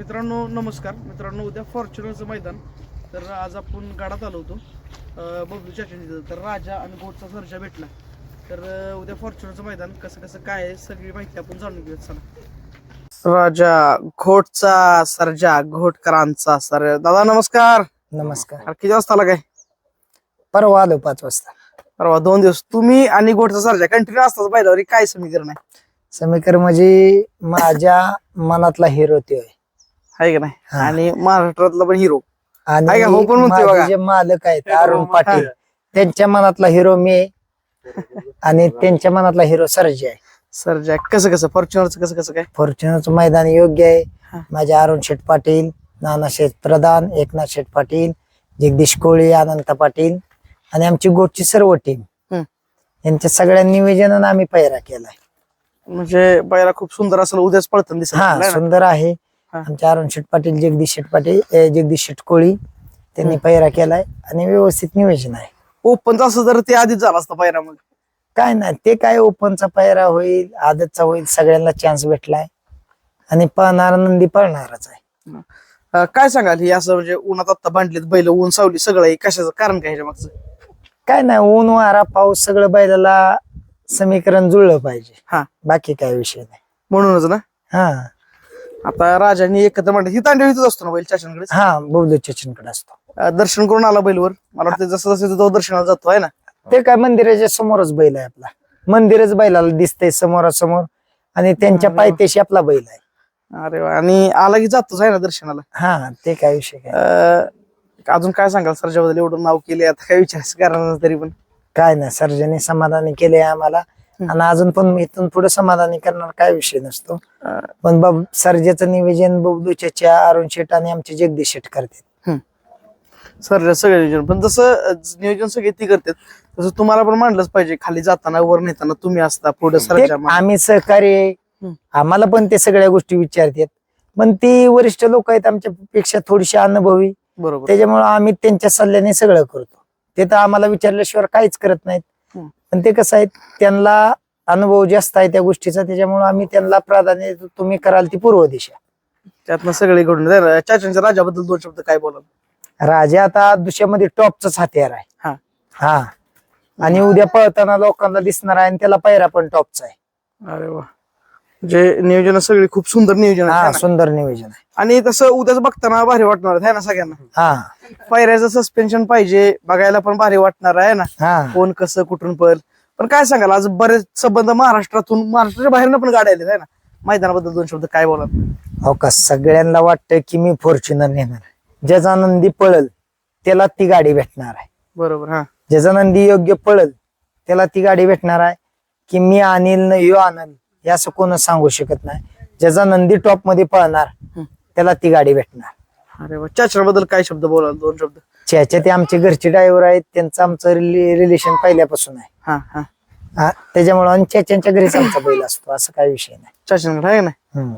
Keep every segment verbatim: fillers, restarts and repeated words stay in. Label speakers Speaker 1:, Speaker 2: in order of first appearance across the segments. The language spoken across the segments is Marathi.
Speaker 1: मित्रांनो नमस्कार मित्रांनो, उद्या फॉर्च्युनरचं मैदान. तर आज आपण गाडात आलो होतो बबलू चाचणी. तर राजा आणि घोटचा सर्जा भेटला. तर उद्या फॉर्च्युनरचं मैदान कसं कसं काय आहे सगळी माहिती आपण जाणून घेऊया. चला. राजा घोटचा सर्जा, घोटकरांचा सर. दादा नमस्कार.
Speaker 2: नमस्कार.
Speaker 1: किती वाजता आला काय?
Speaker 2: परवा आलो पाच वाजता.
Speaker 1: परवा दोन दिवस तुम्ही आणि घोटचा सर्जा कंटिन्यू असतात पाहिल्यावर काय समीकरण आहे?
Speaker 2: समीकरण म्हणजे माझ्या मनातला हिरो ते
Speaker 1: आहे का नाही? आणि महाराष्ट्रातला पण हिरो
Speaker 2: आणि
Speaker 1: हो पण म्हणतोय बघा.
Speaker 2: माझे जे मालक आहेत अरुण पाटील, त्यांच्या मनातला हिरो मी आहे आणि त्यांच्या मनातला हिरो सर्जा आहे.
Speaker 1: सर्जा कसं कसं फॉर्च्युनरचं कसं कसं काय?
Speaker 2: फॉर्च्युनरचं मैदान योग्य
Speaker 1: हा.
Speaker 2: आहे. माझे अरुण शेठ पाटील, नाना शेठ प्रधान, एकनाथ शेठ पाटील, जगदीश कोळी, अनंत पाटील आणि आमची गोटची सर्व टीम
Speaker 1: हम्म.
Speaker 2: यांच्या सगळ्या निवेदनानं आम्ही पैरा केलाय.
Speaker 1: म्हणजे बैला खूप सुंदर असेल, उद्याच पळताना दिसत
Speaker 2: हा
Speaker 1: आपल्याला ना?
Speaker 2: सुंदर आहे.
Speaker 1: हा.
Speaker 2: आमचे अरुण शेठ पाटील, जगदीश शेठ पाटील, ए, जगदीश शेठ कोळी त्यांनी पैरा केलाय आणि व्यवस्थित नियोजन आहे.
Speaker 1: ओपनचा असं जर ते आधीच झाला असता पायरा मग
Speaker 2: काय नाही, ते काय ओपनचा पैरा होईल, आदतचा होईल, सगळ्यांना चान्स भेटलाय आणि पळणार नंदी पळणारच आहे.
Speaker 1: अं, काय सांगाल ही असं म्हणजे उन्हात आता बांधलीत बैल, ऊन सावली सगळं आहे, कशाचं कारण काय ह्याच्या मागचं?
Speaker 2: काय नाही, ऊन वारा पाऊस सगळं बैलाला समीकरण जुळलं पाहिजे.
Speaker 1: हा.
Speaker 2: बाकी काय विषय नाही.
Speaker 1: म्हणूनच ना.
Speaker 2: हा
Speaker 1: आता राजांनी एकत्र म्हणलं ही तांडव इथंच असतो ना बैल चाचणकडे?
Speaker 2: हा बबलू चचनकडे असतो.
Speaker 1: दर्शन करून आला बैलवर. मला वाटतं जसं जसं तो दर्शनाला जातो आहे ना.
Speaker 2: ते काय मंदिराच्या समोरच बैल आहे आपला. मंदिरच बैलाला दिसतंय समोरासमोर आणि त्यांच्या
Speaker 1: अरे वा.
Speaker 2: पायथ्याशी आपला बैल आहे.
Speaker 1: अरे वा. आणि आला की जातोच आहे ना दर्शनाला.
Speaker 2: हा ते काय विषय काय
Speaker 1: अं, अजून काय सांगाल सर्जाबद्दल? एवढं नाव केले, आता काय विचारायचं कारण नाही तरी पण.
Speaker 2: काय नाही, सर्जाने समाधानी केले आम्हाला आणि अजून पण इथून पुढे समाधानी करणार काय विषय नसतो.
Speaker 1: अं,
Speaker 2: पण बब सर्जाचं निवेदन बबलू चाचा, अरुण शेठ आणि आमचे जगदीश शेठ करतात.
Speaker 1: सर्जा सगळे नियोजन, पण जसं अं, नियोजन सगळे ती करतात तसं तुम्हाला पण मांडलंच पाहिजे. खाली जाताना वर नेताना तुम्ही असता पुढे
Speaker 2: ते
Speaker 1: सर्जा मांड-
Speaker 2: आम्ही सहकार्य आहे.
Speaker 1: हम्म.
Speaker 2: आम्हाला पण ते सगळ्या गोष्टी विचारतात, पण ती वरिष्ठ लोक आहेत आमच्या पेक्षा थोडीशी अनुभवी,
Speaker 1: बरोबर.
Speaker 2: त्याच्यामुळे आम्ही त्यांच्या सल्ल्याने सगळं करतो. ते तर आम्हाला विचारल्याशिवाय काहीच करत नाहीत.
Speaker 1: हम्म.
Speaker 2: पण ते कसं आहे, त्यांना अनुभव जास्त आहे त्या गोष्टीचा, त्याच्यामुळे आम्ही त्यांना प्राधान्य देतो. तुम्ही कराल ती पूर्व दिशा.
Speaker 1: त्यातनं सगळे घडून चाचांच्या राजाबद्दल दोन शब्द काय बोलाल?
Speaker 2: राजा आता दुसऱ्यामध्ये टॉपचाच हत्यार आहे.
Speaker 1: हा.
Speaker 2: हा आणि उद्या पळताना लोकांना दिसणार आहे आणि त्याला पैरा पण टॉपचा आहे.
Speaker 1: अरे वा. जे नियोजन सगळे खूप सुंदर नियोजन आहे
Speaker 2: हा
Speaker 1: ना?
Speaker 2: सुंदर नियोजन आहे.
Speaker 1: आणि तसं उद्याच बघताना भारी वाटणार आहे ना सगळ्यांना.
Speaker 2: हा
Speaker 1: पायऱ्याचं सस्पेन्शन पाहिजे, बघायला पण भारी वाटणार आहे ना.
Speaker 2: हा
Speaker 1: कोण कसं कुठून पळ. पण काय सांगाल, आज बरेच संबंध महाराष्ट्रातून, महाराष्ट्राच्या बाहेरनं पण गाड्या आल्या आहे ना. मैदानाबद्दल दोन शब्द काय बोलाल?
Speaker 2: हो का, सगळ्यांना वाटतं की मी फॉर्च्युनर नेणार. ज्याचा नंदी पळल त्याला ती गाडी भेटणार आहे.
Speaker 1: बरोबर. हा.
Speaker 2: ज्याचा नंदी योग्य पळल त्याला ती गाडी भेटणार आहे. की मी आणील न यो आणल हे असं कोणच सांगू शकत नाही. ज्याचा नंदी टॉप मध्ये पळणार त्याला ती गाडी भेटणार.
Speaker 1: अरे वा. चाचण्याबद्दल काय शब्द बोलाल? दोन शब्द.
Speaker 2: ज्याच्या ते आमचे घरचे ड्रायव्हर आहेत, त्यांचं आमचं रिलेशन पहिल्यापासून आहे.
Speaker 1: हा हा.
Speaker 2: हा त्याच्यामुळे आणि चाच्यांच्या घरीच आमचा बैल असतो, असं काही विषय नाही.
Speaker 1: चाचणकडे आहे ना.
Speaker 2: हम्म.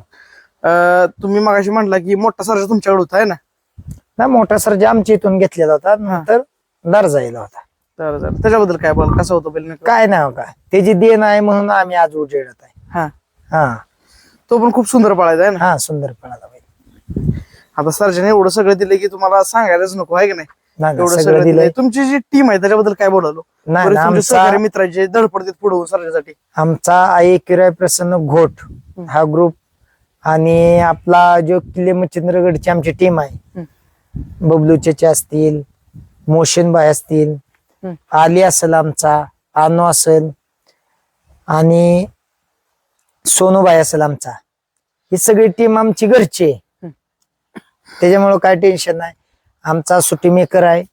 Speaker 1: अं, तुम्ही मगाशी म्हटला की मोठा सर्जा तुमच्याकडे होता आहे ना.
Speaker 2: ना मोठा सर्जा आमच्या इथून घेतलेला होता, नंतर दर्जाईला होता.
Speaker 1: तर तर त्याच्याबद्दल काय बोल? कसं होतं बैल नेमकं?
Speaker 2: काय नाही हो का, त्याची देण आहे म्हणून आम्ही आज उजेडत आहे.
Speaker 1: हा.
Speaker 2: हा
Speaker 1: तो पण खूप सुंदर पळायचा आहे ना.
Speaker 2: हा सुंदर पळाला बैल.
Speaker 1: आता सर्जने एवढं सगळं दिलं की तुम्हाला सांगायलाच नको आहे की नाही.
Speaker 2: नाही, नाही,
Speaker 1: एवढं
Speaker 2: सगळं
Speaker 1: सगळं
Speaker 2: दिलंय.
Speaker 1: दिलंय. तुमची जी टीम आहे त्याच्याबद्दल काय बोलालो?
Speaker 2: नाही,
Speaker 1: बरेच
Speaker 2: नाही,
Speaker 1: तुमचे
Speaker 2: आमचा-
Speaker 1: सहकारी मित्रांचे धडपडतात पुढे सर्जासाठी.
Speaker 2: आमचा आई किराय प्रसन्न घोट हा ग्रुप आणि आपला जो किल्ले मच्छिंद्रगडची आमची टीम आहे, बबलू चचा असतील, मोशनबाई असतील,
Speaker 1: हम्म.
Speaker 2: आली असेल, आमचा आनो असेल आणि सोनूबाई असेल आमचा, ही सगळी टीम आमची घरची आहे. त्याच्यामुळे काय टेन्शन नाही. आमचा सुट्टी मेकर आहे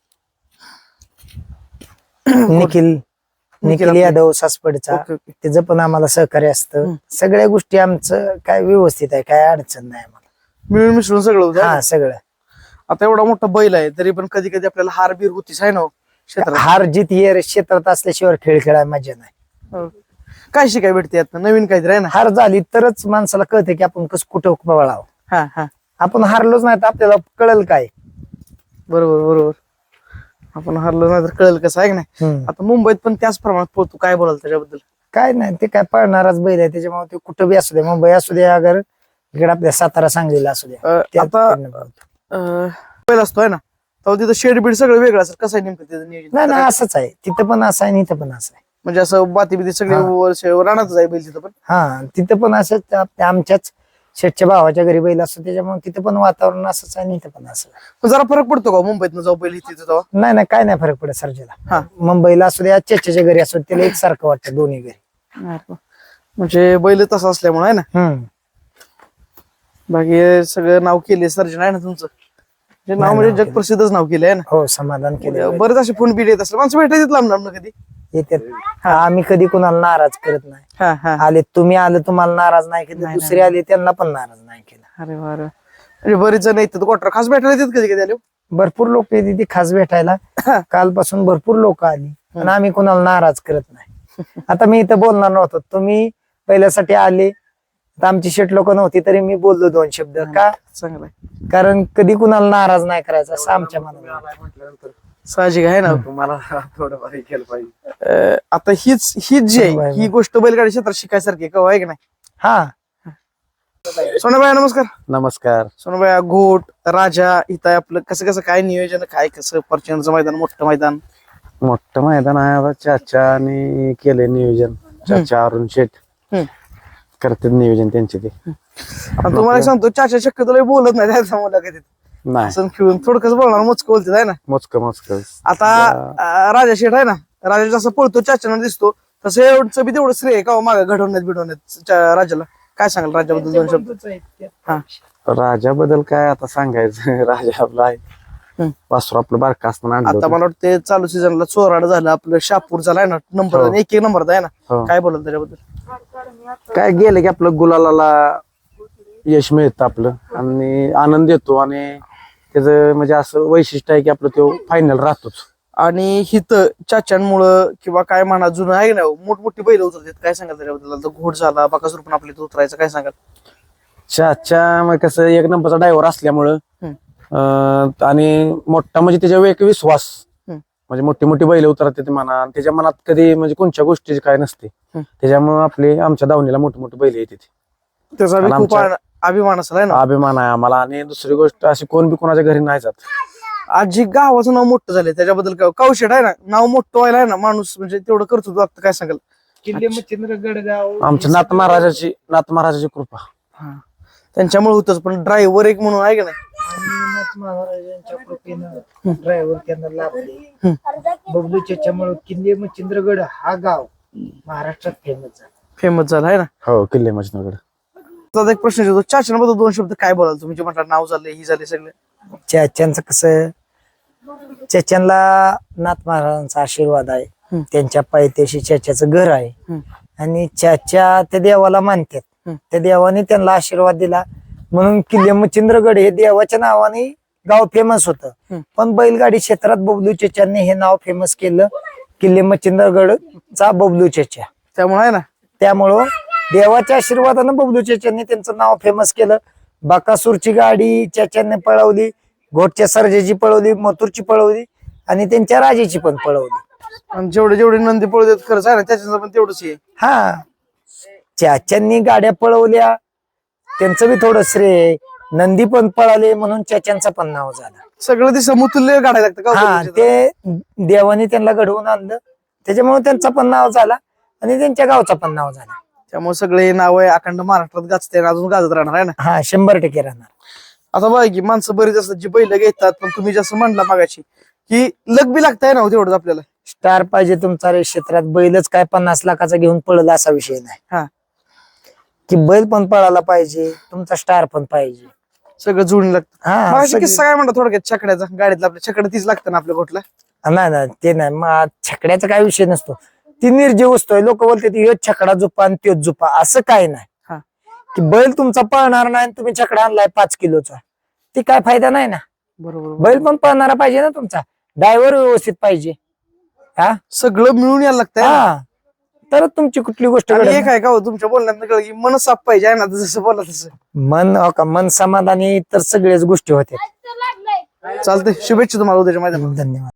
Speaker 2: निखिल निखिल
Speaker 1: आपले.
Speaker 2: यादव सासपडचा,
Speaker 1: ओके, ओके.
Speaker 2: त्याचं पण आम्हाला सहकार्य असतं.
Speaker 1: हम्म.
Speaker 2: सगळ्या गोष्टी आमचं काय व्यवस्थित आहे, काय अडचण नाही आम्हाला.
Speaker 1: मिळून मिसळून सगळं होतं.
Speaker 2: हा सगळं.
Speaker 1: आता एवढा मोठा बैल आहे तरी पण कधी कधी आपल्याला हार बीर होतीच आहे ना हो क्षेत्रात.
Speaker 2: हार जीत हे क्षेत्रात असल्याशिवाय खेळ खेळायला मजा नाही.
Speaker 1: हो. काय शिकाय भेटते आता नवीन काहीतरी आहे ना.
Speaker 2: हार झाली तरच माणसाला कळते की आपण कसं कुठं पळावं.
Speaker 1: हा हा.
Speaker 2: आपण हारलोच नाही तर आपल्याला कळल काय.
Speaker 1: बरोबर बरोबर. आपण हरलो नाही तर कळेल कसं आहे की नाही.
Speaker 2: हम्म.
Speaker 1: आता मुंबईत पण त्याच प्रमाणात पोहतो. काय बोलाल त्याच्याबद्दल?
Speaker 2: काय नाही, ते काय पळणाराच बैल आहे, त्याच्यामुळे ते कुठं बी असू दे, मुंबई असू दे, अगर इकडे आपल्या सातारा सांगलीला असू द्या
Speaker 1: अं,
Speaker 2: त्यात
Speaker 1: आता
Speaker 2: कडनं पळतो.
Speaker 1: अं, पहिला असतोय ना तेव्हा तिथं शेड बीड सगळं वेगळं असेल कसं आहे नेमकं तिथं नियोजन
Speaker 2: नाही नाही असंच आहे तिथं पण असं आहे आणि इथं पण असं आहे.
Speaker 1: म्हणजे असं बाती बिती सगळे
Speaker 2: हा.
Speaker 1: वर्ष राहणारच आहे बैल तिथं पण.
Speaker 2: हा तिथं पण असंच आपल्या आमच्याच शेठच्या भावाच्या घरी बैल असतो त्याच्यामुळे तिथं पण वातावरण असंच आहे आणि इथं पण असं आहे.
Speaker 1: पण जरा फरक पडतो का मुंबईतनं जाऊ बैल तिथं तेव्हा?
Speaker 2: नाही नाही काय नाही फरक पडत सर्जेला.
Speaker 1: हा.
Speaker 2: मुंबईला असू द्या चेच्याच्या घरी असू द्या, त्याला एकसारखं वाटतं दोन्ही घरी.
Speaker 1: म्हणजे बैल तसं असल्यामुळे आहे ना.
Speaker 2: हम्म
Speaker 1: बाकी हे सगळं नाव केले सर्जन आहे ना तुमचं जे नाव
Speaker 2: नाही,
Speaker 1: म्हणजे
Speaker 2: नाव
Speaker 1: जग
Speaker 2: केलंय.
Speaker 1: प्रसिद्धच नाव केलं आहे ना.
Speaker 2: हो समाधान केलं
Speaker 1: बरेच असे फोन बिल येत असले माणसं भेटायचे लांब लांब कधी.
Speaker 2: येतात आम्ही कधी कुणाला नाराज करत नाही.
Speaker 1: हा हा
Speaker 2: आले तुम्ही आले तुम्हाला नाराज नाही केलं
Speaker 1: नाही,
Speaker 2: दुसरे आले त्यांना पण नाराज नाही केलं.
Speaker 1: अरे वा रे. म्हणजे बरेच जण येतात क्वार्टर खास भेटायला येतात कधी कधी आले.
Speaker 2: भरपूर लोक येते ती खास भेटायला कालपासून भरपूर लोक आली पण आम्ही कुणाला नाराज करत नाही. आता मी इथं बोलणार नव्हतो तुम्ही पहिल्यासाठी आले तर आमची शेट लोक नव्हती तरी मी बोललो दोन शब्द का
Speaker 1: चांगलं आहे.
Speaker 2: कारण कधी कुणाला नाराज नाही करायचं असं आमच्या मनात.
Speaker 1: साहजिक आहे ना.
Speaker 3: तुम्हाला थोडंफार हे केलं पाहिजे.
Speaker 1: अं, आता हीच हीच जी
Speaker 2: बरोबर
Speaker 1: आहे
Speaker 2: आहे.
Speaker 1: ही गोष्ट बैलगाडी क्षेत्रात शिकायसारखी आहे, का आहे की नाही.
Speaker 2: हा
Speaker 1: सोनाबाई नमस्कार.
Speaker 3: नमस्कार.
Speaker 1: सोनाबाई घोट राजा इथं आहे आपलं कसं कसं काय नियोजन काय कसं फॉर्च्युनरचं मैदान मोठं मैदान.
Speaker 3: मोठं मैदान आहे आता चाचाने केलंय नियोजन. चाचा अरुण शेठ
Speaker 1: हम्म.
Speaker 3: करतात नियोजन त्यांचे ते.
Speaker 1: आणि तुम्हाला एक सांगतो चाचा शक्यतो लय बोलत नाही त्याच्या मुलाखतीत
Speaker 3: नाही
Speaker 1: असं खेळून थोडकच बोलणार मोजकं बोलते आहे ना.
Speaker 3: मोजक मोजक
Speaker 1: आता अं, राजा शेठ आहे ना राजा जसं पळतो चाचाना दिसतो तसं एवढं बी तेवढं श्रेय का मागे घडवण्यात बिडवण्यात चा- राजाला काय सांगाल राजाबद्दल दोन शब्द. हा
Speaker 3: राजाबद्दल काय आता सांगायचं. राजा आपला आहे
Speaker 1: हम्म.
Speaker 3: वासरू आपलं बारका असताना आणलं
Speaker 1: आता
Speaker 3: होतं.
Speaker 1: मला वाटतं चालू सीझनला चोराड झालं आपलं शापूर झालाय ना नंबर
Speaker 3: हो.
Speaker 1: एक एक नंबर आहे ना.
Speaker 3: हो.
Speaker 1: काय बोलत त्याच्याबद्दल.
Speaker 3: काय गेलं की आपलं गुलालाला यश मिळतं आपलं आणि आनंद येतो आणि त्याचं म्हणजे असं वैशिष्ट्य आहे की आपलं तो फायनल राहतोच.
Speaker 1: आणि हिथं चाच्यांमुळं किंवा काय म्हणा जुनं आहे ना मोठमोठी बैल उतरतात काय सांगाल त्याच्याबद्दल. आता घोड झाला बाकासूर पण आपल्या इथं उतरायचं काय सांगाल.
Speaker 3: चाचा मग कसं एक नंबरचा ड्रायव्हर असल्यामुळं
Speaker 1: हम्म.
Speaker 3: अं, आणि मोठा म्हणजे त्याच्यावर एक विश्वास
Speaker 1: हम्म.
Speaker 3: म्हणजे मोठी मोठी बैल उतरतात ते म्हणा आणि त्याच्या मनात कधी म्हणजे कोणत्या गोष्टीची काय नसते.
Speaker 1: हम्म.
Speaker 3: त्याच्यामुळे आपले आमच्या दावणीला मोठी मोठी बैल येते.
Speaker 1: त्याचा बी
Speaker 3: आणि
Speaker 1: खूप
Speaker 3: आमच्या-
Speaker 1: आ- अभिमान असेल आहे ना.
Speaker 3: अभिमान आहे आम्हाला आणि दुसरी गोष्ट अशी कोण बी कोणाच्या घरी नाही जात.
Speaker 1: आजी गावाचं नाव मोठं झालंय त्याच्याबद्दल काय कौशट आहे ना नाव मोठं व्हायला आहे ना माणूस म्हणजे तेवढं करतो लागतं काय सांगाल.
Speaker 2: किल्ले मच्छिंद्र गडगाव
Speaker 3: आमच्या नाथ महाराजाची नाथ महाराजाची कृपा.
Speaker 1: त्यांच्यामुळे होतच पण ड्रायव्हर एक म्हणून आहे का नाही.
Speaker 2: महाराजांच्या कृपेनं ड्रायव्हर त्यांना लाभले. बबलू चेच्यामुळे किल्ले मच्छिंद्रगड हा गाव महाराष्ट्रात फेमस झाला.
Speaker 1: फेमस झाला आहे ना.
Speaker 3: हो किल्ले मजनूगड.
Speaker 1: आता एक प्रश्न येतो चाचण्याबद्दल दोन शब्द काय बोलाल तुम्ही जे म्हटलं नाव झाले ही झाले सगळे.
Speaker 2: चॅच्यांचं कसं चॅच्यांना नाथ महाराजांचा आशीर्वाद आहे.
Speaker 1: हम्म.
Speaker 2: त्यांच्या पायथ्याशी चॅच्याचं घर आहे
Speaker 1: हम्म.
Speaker 2: आणि चॅच्या त्या देवाला मानतात.
Speaker 1: हम्म.
Speaker 2: त्या देवाने त्यांना आशीर्वाद दिला म्हणून किल्ले मच्छिंद्रगड हे देवाच्या नावाने गाव फेमस होतं.
Speaker 1: हम्म.
Speaker 2: पण बैलगाडी क्षेत्रात बबलू चेच्यांनी हे नाव फेमस केलं किल्ले मच्छिंद्रगडचा बबलू चेच्या.
Speaker 1: त्यामुळे आहे ना
Speaker 2: त्यामुळं देवाच्या आशीर्वादानं बबलू चेच्यांनी त्यांचं नाव फेमस केलं. बाकासूरची गाडी चेच्यांनी पळवली, घोटच्या सर्जेची पळवली, मथुरची पळवली आणि त्यांच्या राजेची पण पळवली.
Speaker 1: आणि जेवढे जेवढे नंदी पळू देत खरंच आहे ना त्याच्याचं पण तेवढंच आहे.
Speaker 2: हा चाच्यांनी गाड्या पळवल्या त्यांचं बी थोडं श्रेय आहे. नंदी पण पळाले म्हणून चाच्यांचं पण नाव झालं.
Speaker 1: सगळं ते समतुल्य गाडायला लागतं का
Speaker 2: हा
Speaker 1: हो
Speaker 2: ते देवाने त्यांना घडवून आणलं त्याच्यामुळे त्यांचं पण नाव झाला आणि त्यांच्या गावचं पण नाव झालं.
Speaker 1: त्यामुळे सगळे नाव आहे अखंड महाराष्ट्रात गाजते आणि अजून गाजत राहणार आहे ना.
Speaker 2: हा शंभर टक्के राहणार.
Speaker 1: आता बघा की माणसं बरीच असतात जी बैल घेतात पण तुम्ही जसं म्हणला मागाशी की लग बी लागताय ना हो तेवढंच आपल्याला.
Speaker 2: स्टार पाहिजे तुमचा रे क्षेत्रात बैलच काय पन्नास लाखाचा घेऊन पळला असा विषय
Speaker 1: हा.
Speaker 2: नाही की बैल पण पळायला पाहिजे तुमचा स्टार पण पाहिजे.
Speaker 1: सगळं जुळून लागतं.
Speaker 2: हा
Speaker 1: मागाशी
Speaker 2: सगळी-
Speaker 1: किस्सा काय म्हणतात थोडक्यात छकड्याचा गाडीतला आपल्या छकडं तीच लागतं ना आपल्या गोठला.
Speaker 2: नाही नाही ते नाही मग छकड्याचा काय विषय नसतो. ती निर्जीव वस्तू आहे. लोक बोलतात ह्यो छकडा झुपा आणि त्योच झुपा असं काय
Speaker 1: हा.
Speaker 2: नाही की बैल तुमचा पळणार नाही आणि तुम्ही छकडा आणलाय पाच किलोचा ती काय फायदा नाही ना.
Speaker 1: बरोबर
Speaker 2: बैल पण पळणारा पाहिजे ना तुमचा ड्रायव्हर व्यवस्थित पाहिजे. हा
Speaker 1: सगळं मिळून यायला लागतंय ना.
Speaker 2: हा तर तुमची कुठली गोष्ट
Speaker 1: आणि
Speaker 2: घडत
Speaker 1: एक आहे का हो तुमच्या बोलण्यात कळलं की मन साफ पाहिजे आहे ना जसं बोला तसं.
Speaker 2: नाही. मन हो का मन समाधानी तर सगळ्याच गोष्टी होत्या.
Speaker 1: चालतंय शुभेच्छा तुम्हाला उद्याच्या मैदानात.
Speaker 2: धन्यवाद.